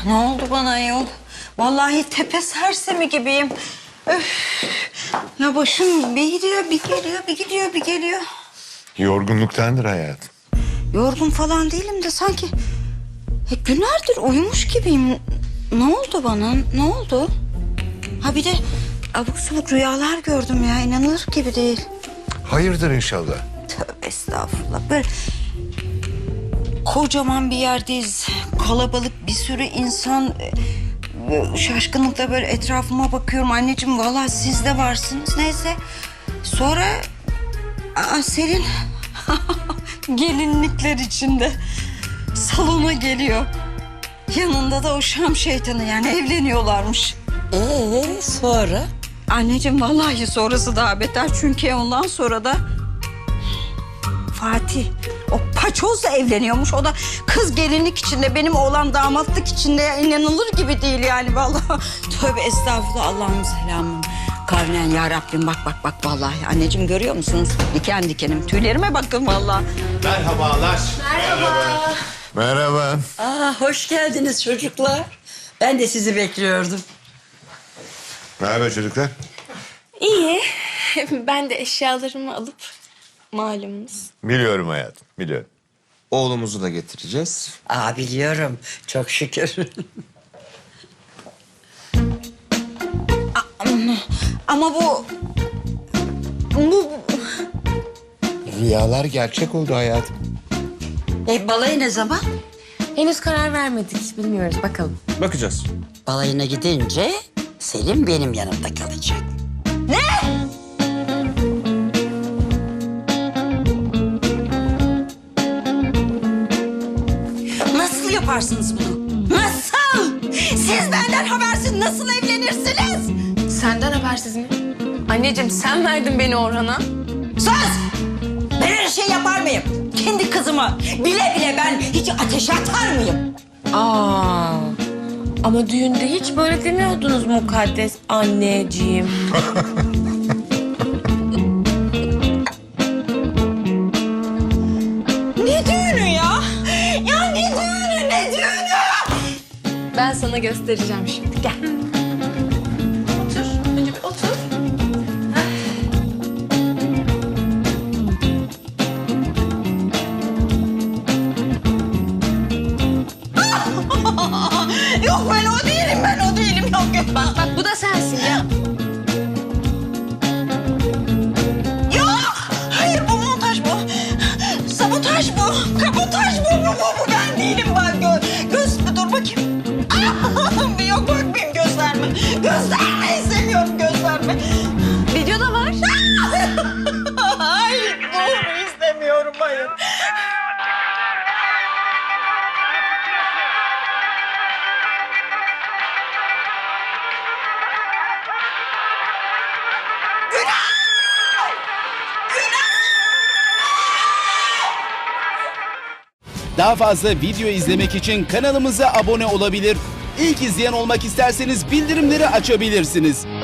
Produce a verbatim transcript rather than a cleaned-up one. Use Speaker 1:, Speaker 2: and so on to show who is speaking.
Speaker 1: Ne oldu bana yol? Vallahi tepe sersemi gibiyim. Öf. Ya başım bir gidiyor, bir geliyor, bir gidiyor, bir geliyor.
Speaker 2: Yorgunluktandır hayatım.
Speaker 1: Yorgun falan değilim de sanki e, günlerdir uyumuş gibiyim. Ne oldu bana? Ne oldu? Ha bir de abuk subuk rüyalar gördüm ya. İnanılır gibi değil.
Speaker 2: Hayırdır inşallah.
Speaker 1: Tövbe estağfurullah. Böyle kocaman bir yerdeyiz. Kalabalık bir sürü insan. Böyle şaşkınlıkla böyle etrafıma bakıyorum. Anneciğim vallahi siz de varsınız. Neyse. Sonra aa, Selin gelinlikler içinde salona geliyor. Yanında da o Şam şeytanı, yani evleniyorlarmış.
Speaker 3: Ee sonra?
Speaker 1: Anneciğim vallahi sonrası daha beter. Çünkü ondan sonra da Fatih o paçozla evleniyormuş. O da kız gelinlik içinde, benim oğlan damatlık içinde. İnanılır gibi değil yani vallahi. Tövbe estağfurullah, Allah'ın selamı. Kavnen ya Rabbim, bak bak bak vallahi. Anneciğim görüyor musunuz? Diken dikenim. Tüylerime bakın vallahi.
Speaker 2: Merhabalar.
Speaker 3: Merhaba.
Speaker 2: Merhaba.
Speaker 3: Aa, hoş geldiniz çocuklar. Ben de sizi bekliyordum.
Speaker 2: Merhaba çocuklar.
Speaker 4: İyi. Ben de eşyalarımı alıp malumunuz.
Speaker 2: Biliyorum hayatım, biliyorum.
Speaker 5: Oğlumuzu da getireceğiz.
Speaker 3: Aa, biliyorum. Çok şükür.
Speaker 1: Ama bu... Bu...
Speaker 2: Rüyalar gerçek oldu hayatım.
Speaker 3: e, balayı ne zaman?
Speaker 4: Henüz karar vermedik. Bilmiyoruz. Bakalım.
Speaker 5: Bakacağız.
Speaker 3: Balayına gidince Selim benim yanımda kalacak.
Speaker 1: Nasıl yaparsınız bunu? Nasıl? Siz benden habersiz nasıl evlenirsiniz?
Speaker 4: Senden habersiz mi? Anneciğim sen verdin beni Orhan'a.
Speaker 1: Sus! Ben öyle şey yapar mıyım? Kendi kızımı bile bile ben hiç ateşe atar mıyım?
Speaker 4: Aa. Ama düğünde hiç böyle demiyordunuz mukaddes anneciğim.
Speaker 1: Ne düğünü ya? Ya ne düğünü, ne düğünü?
Speaker 4: Ben sana göstereceğim şimdi. Gel. Otur. Önce bir otur.
Speaker 1: Yok ben o değilim, ben o değilim. Yok yok.
Speaker 4: Bak bak bu da sensin ya.
Speaker 1: Yok! Hayır bu montaj bu. Sabotaj bu. Kabotaj bu. Bu, bu, bu ben değilim ben. Gö göz dur bakayım. Ah, yok bakmayayım, gösterme. Gösterme, istemiyorum, gösterme.
Speaker 4: Videoda var.
Speaker 1: Hayır doğru istemiyorum, hayır.
Speaker 6: Daha fazla video izlemek için kanalımıza abone olabilir. İlk izleyen olmak isterseniz bildirimleri açabilirsiniz.